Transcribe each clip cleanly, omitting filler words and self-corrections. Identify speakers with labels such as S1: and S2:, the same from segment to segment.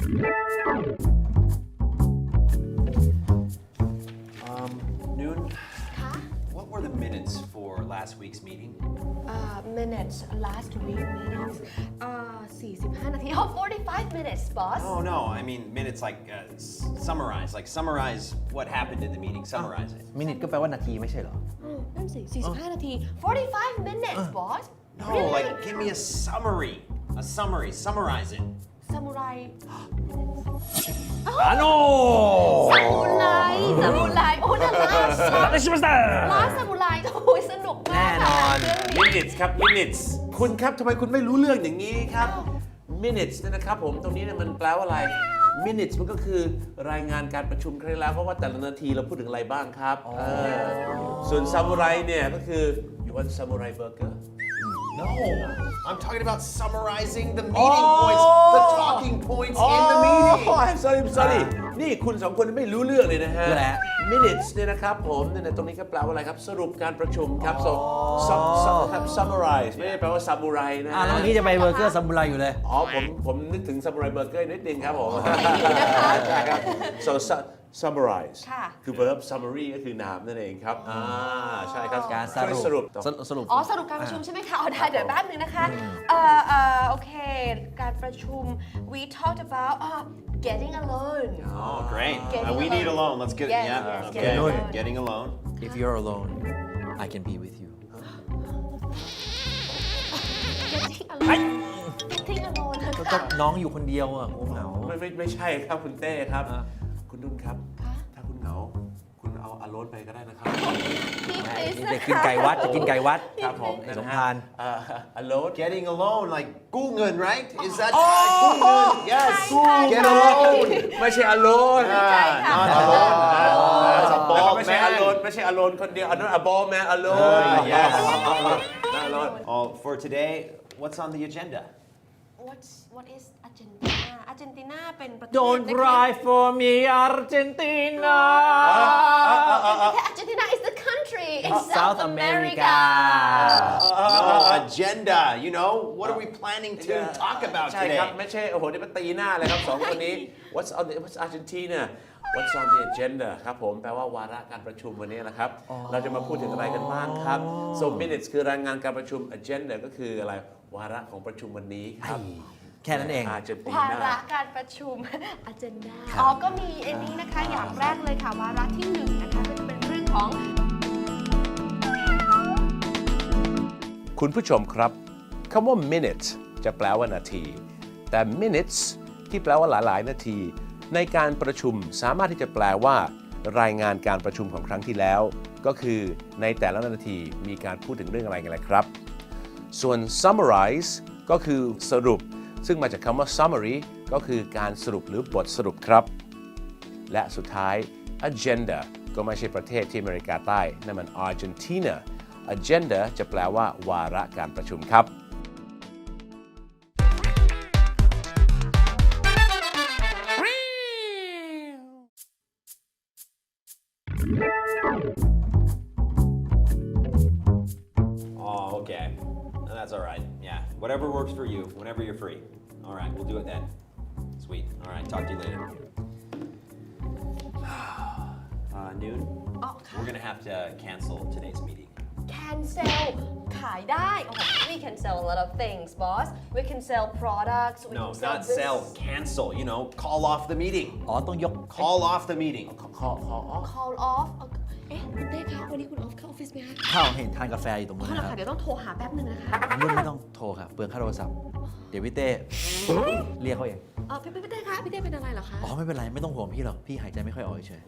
S1: Noon, what were the minutes for last week's meeting?
S2: minutes last week minutes 45 นาที oh 45 minutes boss
S1: Oh no, I mean minutes like summarize what happened in the meeting, summarize it.
S3: มินิทก็แปลว่านาทีไม่ใช่เหรอ
S2: นั่นสิ45 นาที 45 minutes boss
S1: No,
S2: really
S1: like give me a summary, summarize it.
S2: ซามูไร
S3: อาโน
S2: ซามูไรโอ้นั่นล่าสุด
S3: ได้ชิมาสเตอร์
S2: ล่าซามูไรโอ้ยสนุกมาก
S3: แน่นอน
S4: minutes ครับ minutes คุณครับทำไมคุณไม่รู้เรื่องอย่างนี้ครับ minutes เนี่ยนะครับผมตรงนี้เนี่ยมันแปลว่าอะไร minutes มันก็คือรายงานการประชุมครั้งแล้วเพราะว่าแต่ละนาทีเราพูดถึงอะไรบ้างครับส่วนซามูไรเนี่ยก็คือ you want samurai burger
S1: No, I'm talking about summarizing the meeting points, the talking points in the meeting.
S4: I'm sorry นี่คุณสองคนไม่รู้เรื่องเลยนะฮะ
S3: คืออะไรฮะ
S4: minutes เนี่ยนะครับผมเนี่ยตรงนี้ก็แปลว่าอะไรครับสรุปการประชุมครับ so summarize ไม่ได้แปลว่าซามูไรนะ
S3: แล้วเมื่อกี้จะไปเบอร์เกอร์ซามูไรอยู่เลย
S4: อ๋อผมนึกถึงซามูไรเบอร์เกอร์นิดนึงครับผมใช่ครับ so summarize คือ verb summary ก็คือนามนั่นเองครับใช่ครับ
S3: การสรุป
S4: สรุป
S2: อ๋อสรุปการประชุมใช่ไหมคะอ๋อได้เดี๋ยวแป๊บนึงนะคะโอเคการประชุม we talked about getting alone
S1: Oh, great.
S2: Getting
S1: We need
S2: alone.
S1: alone. Let's get
S2: Yes,
S1: yeah.
S2: yes,
S1: Okay.
S2: getting alone.
S1: Getting alone.
S3: If you're alone I can be with you
S2: getting alone นะ
S3: ก็
S2: คะ
S3: น้องอยู่คนเดียวอ่ะโอ้เหงา
S4: ไม่ใช่ครับคุณเต้ครับ คุณนุ่นครับ ถ้าคุณเหงาคุณเอาอโรสไปก็ได้นะครับ
S3: จะกินไก่วัดจะกินไก่วัด
S4: ครับผม
S3: สงพาน
S4: อโรส
S1: Getting alone, like Gungun, right? Is that Gungun? Yes.
S2: ใช่
S1: Get alone.
S4: ไม่ใช่อโรส
S1: Not alone. That's a
S4: แล้วก็
S1: bald
S4: ไม่ใช่อโรส
S1: man.
S4: ไม่ใช่อโรสคนเดียวอันนั้นอบอลแมนอโรส
S1: Yes.
S4: อโรส
S1: Oh, for today, what's on the agenda?
S2: what is Argentina Argentina เป็นประเทศ
S3: Don't
S2: นะคะ
S3: cry for me Argentina
S2: Argentina is the country in
S3: South
S2: South
S3: America
S2: America
S1: No, agenda. You know, what are we planning to talk about
S4: ใช่ครับ
S1: today?
S4: ไม่ใช่โอ้โหนี่มาตีหน้าเลยครับสองคนนี้ What's Argentina What's on the agenda ครับผมแปลว่าวาระการประชุมวันนี้นะครับ เราจะมาพูดถึงอะไรกันบ้างครับ so minutes คือรายงานการประชุม agenda ก็คืออะไรวาระของประชุมวันนี้ครับ
S3: แค่นั้นเอง
S4: อาร์เจนติ
S2: วา
S4: นา
S2: ระการประชุม agenda อ๋อก็มีอันนี้นะคะอย่างแรกเลยค่ะวาระที่หนึ่งนะคะก็จะเป็นเรื่องของ
S4: คุณผู้ชมครับคำว่า minute จะแปลว่านาที แต่ minutes ที่แปลว่าหลายๆนาที ในการประชุมสามารถที่จะแปลว่ารายงานการประชุมของครั้งที่แล้ว ก็คือในแต่ละนาทีมีการพูดถึงเรื่องอะไรกันเลยครับ ส่วน summarize ก็คือสรุป ซึ่งมาจากคำว่า summary ก็คือการสรุปหรือบทสรุปครับ และสุดท้าย agenda ก็ไม่ใช่ประเทศที่อเมริกาใต้นั่นมัน Argentina agenda จะแปลว่าวาระการประชุมครับ
S1: Oh, okay. That's all right. Yeah. Whatever works for you, whenever you're free. All right, we'll do it then. Sweet. All right, talk to you later. Noon, we're going to have to cancel today's meeting.
S2: cancel ขายได้โอ้โห we can sell a lot of things boss we can sell products we
S1: No,
S2: can sell
S1: not sell, cancel. You know, call off the meeting.
S3: อ๋อต้องยก
S1: Call off the meeting.
S2: call off เอ๊ะคุณเต้คะวันนี้คุณออฟเข้าออฟฟิศไหมคะ
S3: ข้าวเห็นทานกาแฟอยู่ตรงนู้น
S2: อ๋อเหรอ
S3: นะค
S2: คะ
S3: รับ
S2: เดี๋ยวต้องโทรหาแป๊บนึงนะคะ
S3: รุ่นไม่ต้องโทรค่ะเปลืองค่าโทรศัพท์ เดี๋ยวพี่เต้เรียกเขาเอง
S2: พี่เต้คะพี่เต้เป็นอะไรเหรอคะ
S3: อ๋อไม่เป็นไรไม่ต้องห่วงพี่หรอกพี่หายใจไม่ค่อยออกเฉย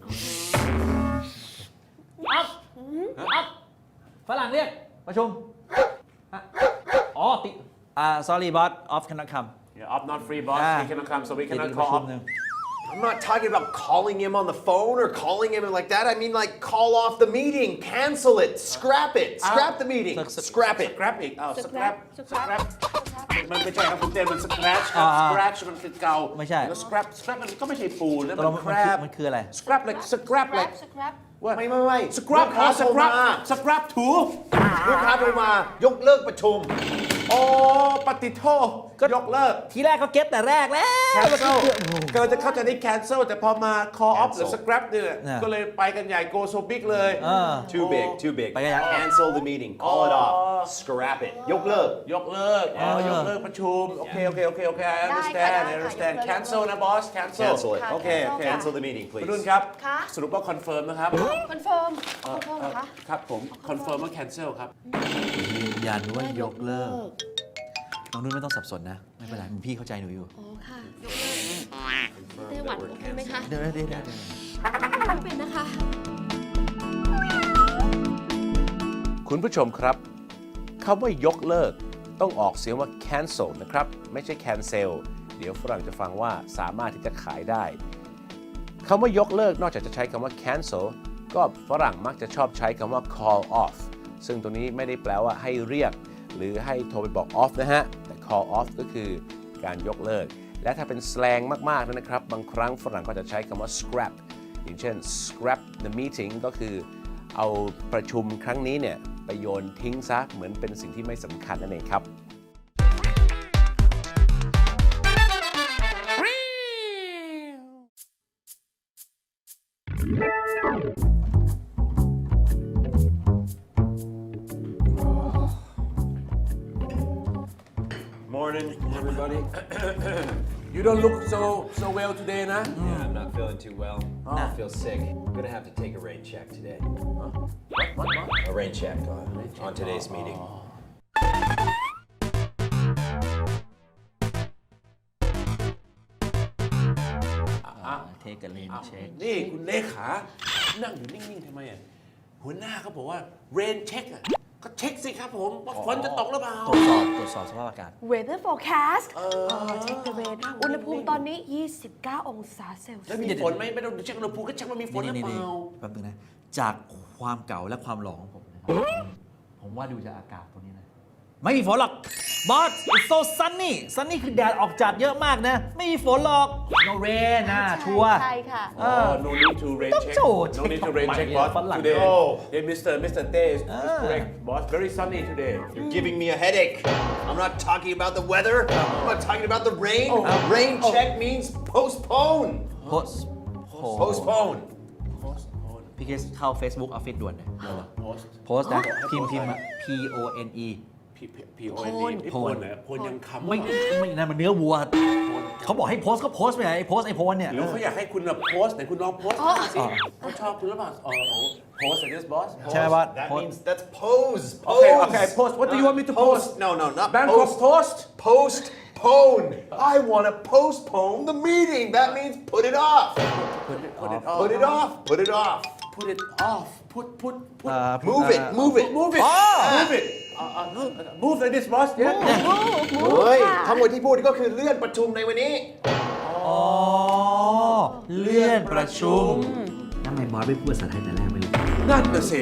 S3: ฝรั่งเรียกประชุมอ๋อติsorry boss off cannot come
S4: Yeah, up not free boss he cannot come so we
S3: ติด
S4: cannot
S3: ประ
S4: call
S3: ชุ
S4: up
S3: มหนึ่ง
S1: I'm not talking about calling him on the phone or calling him like that. I mean, like, call off the meeting, cancel it, scrap it, scrap the meeting, scrap it.
S4: scrap อีกอ้าว scrap
S2: scrap
S4: มันไม่ใช่ครับคุณเต้นมัน scratch ครับ scratch มันคือเกา
S3: ไม่ใช่
S4: แล้ว scrap มันก็ไม่ใช่ปูนนะ
S3: ตกล
S4: มั
S3: ง
S4: น crab
S3: มันคืออะไร
S4: scrap like scrap like
S2: scrap
S1: ไม่
S4: scrap
S1: ลูกค้าโทรมา
S4: scrap ถู
S1: ลูกค้าโทรมายกเลิกประชุม
S4: โโอ้ปฏิโทษยกเลิก
S3: ทีแรกก็เก็ตแต่แรกแล้ว
S4: cancel เกิดจะเข้าใจที่ cancel แต่พอมา call off หรือ
S1: Cancel
S4: scrap เนี่ย
S3: เนี่ย
S4: ก็เลยไปกันใหญ่ go so big เลย
S1: Too big, too big.
S3: ไปกันยัง
S1: Cancel the meeting. Call it off. Scrap it. ยกเลิก
S4: ยกเลิกยกเลิกประชุม โอเค I understand I understand cancel นะ boss cancel
S1: Cancel it.
S4: โอเค
S1: Cancel the meeting,
S4: คุณ
S1: please.
S4: นุ่นครับ
S2: ค่ะ
S4: สรุปว่า confirm นะครับ
S2: คอนเฟิร์มเหรอคะ
S4: ครับผม confirm ว่า cancel ครับ
S3: ยืนยันว่ายกเลิก น้องนุ่นไม่ต้องสับสนนะ ไม่เป็นไรพี่เข้าใจหนูอยู่
S2: อ๋อค่ะยกเลิกไต้หวันโอเคไหมคะ
S3: เดี๋ยว
S2: ไม่เป็นนะคะ
S4: คุณผู้ชมครับคำว่ายกเลิกต้องออกเสียงว่า cancel นะครับ ไม่ใช่ cancel เดี๋ยวฝรั่งจะฟังว่าสามารถที่จะขายได้คำว่ายกเลิกนอกจากจะใช้คำว่า cancel ก็ฝรั่งมักจะชอบใช้คำว่า call off ซึ่งตรงนี้ไม่ได้แปลว่าให้เรียก หรือให้โทรไปบอก off นะฮะ แต่ call off ก็คือการยกเลิก และถ้าเป็น slang มากๆนะครับ บางครั้งฝรั่งก็จะใช้คำว่า scrap อย่างเช่น scrap the meeting ก็คือเอาประชุมครั้งนี้เนี่ยไปโยนทิ้งซะเหมือนเป็นสิ่งที่ไม่สำคัญนั่นเองครับ
S1: Morning, everybody.
S4: You don't look so well today นะ
S1: Yeah, I'm not feeling too well. I feel sick. I'm gonna have to take a rain check today. A rain check on today's meeting.
S3: เทคกันเลนเช็ค
S4: นี่คุณเลขานั่งอยู่นิ่ง ๆทำไมอ่ะหัวหน้าเขาบอกว่า rain check อ่ะก็เช็คสิครับผมว่าฝนจะตกหรือเปล่า
S3: ตรวจสอบสภาพอากาศ
S2: weather forecast เช็ค the rain อุณหภูมิตอนนี้ 29 องศาเซลเซี
S4: แล้ว
S2: ย
S4: มี
S2: ส
S4: ฝนไหมไม่ต้องเช็คอุณหภูมิก็เช็คว่ามีฝนหรือเปล่า
S3: แป๊บนึงนะ จากความเก่าและความหลองของผมนะครับผมว่าดูจากอากาศตรงนี้นะ ไม่มีฝนหรอก บอส it's so sunny sunny คือแดดออกจัดเยอะมากนะ ไม่มีฝนหรอก no rain นะชัวร์
S2: ใช่ค่ะ
S4: no need to rain
S3: ต้อง
S4: check
S3: โจทย์
S4: no need to rain
S3: ทำไม
S4: check
S3: เนี่ย
S4: boss
S3: ฝรั่ง
S4: today
S1: Oh.
S4: yeah Mr. Tay is correct boss very sunny today
S1: You're giving me a headache. I'm not talking about the weather. I'm not talking about the rain. Rain check means postpone.
S3: post
S1: Postpone.
S3: พี่เคสเข้า Facebook Office ด่วนเลย
S4: post
S3: โพสต์นะพิมพ์ P O N E
S4: P-O-N-E
S3: โพน
S4: โพนยังคำ
S3: ไม่นั่นมันเนื้อวัว เขาบอกให้โพสต์ก็โพสต์ไปไหนไอ้โพสต์ไอ้โพสต์เนี่ย
S4: หรือเขาอยากให้คุณโพสต์แต่คุณลองโพสต์สิเขาชอบคุณหรือเปล่าโพสต์ this boss
S3: ใช่ไหมบอส
S1: That means that's pose.
S4: Okay,
S1: Pose.
S4: okay, post. What do you want me to post?
S1: No, not
S4: Bangkok
S1: post.
S4: toast
S1: Postpone. I want to postpone the meeting. That means put it off.
S4: put it off
S1: Put it off. Put it off.
S4: put it off put
S1: Move it. Move it.
S4: move it move it move like this boss yeah
S1: เฮ้ยทั้งหมดที่พูดก็คือเลื่อนประชุมในวันนี้
S3: อ๋อ เลื่อนประชุมทำไมบอสไม่พูดภาษาไทยแต่แรกไม่รู้
S4: นั่นน่ะสิ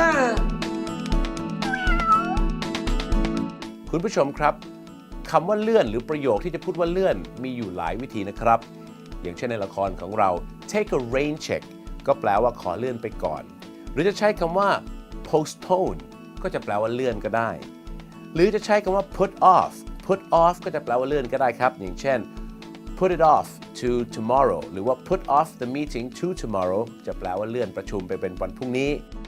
S4: คุณผู้ชมครับคำว่าเลื่อนหรือประโยคที่จะพูดว่าเลื่อนมีอยู่หลายวิธีนะครับ อย่างเช่นในละครของเรา take a rain check ก็แปลว่าขอเลื่อนไปก่อน หรือจะใช้คำว่า postpone ก็จะแปลว่าเลื่อนก็ได้ หรือจะใช้คำว่า put off ก็จะแปลว่าเลื่อนก็ได้ครับ อย่างเช่น put it off to tomorrow หรือว่า put off the meeting to tomorrow จะแปลว่าเลื่อนประชุมไปเป็นวันพรุ่งนี้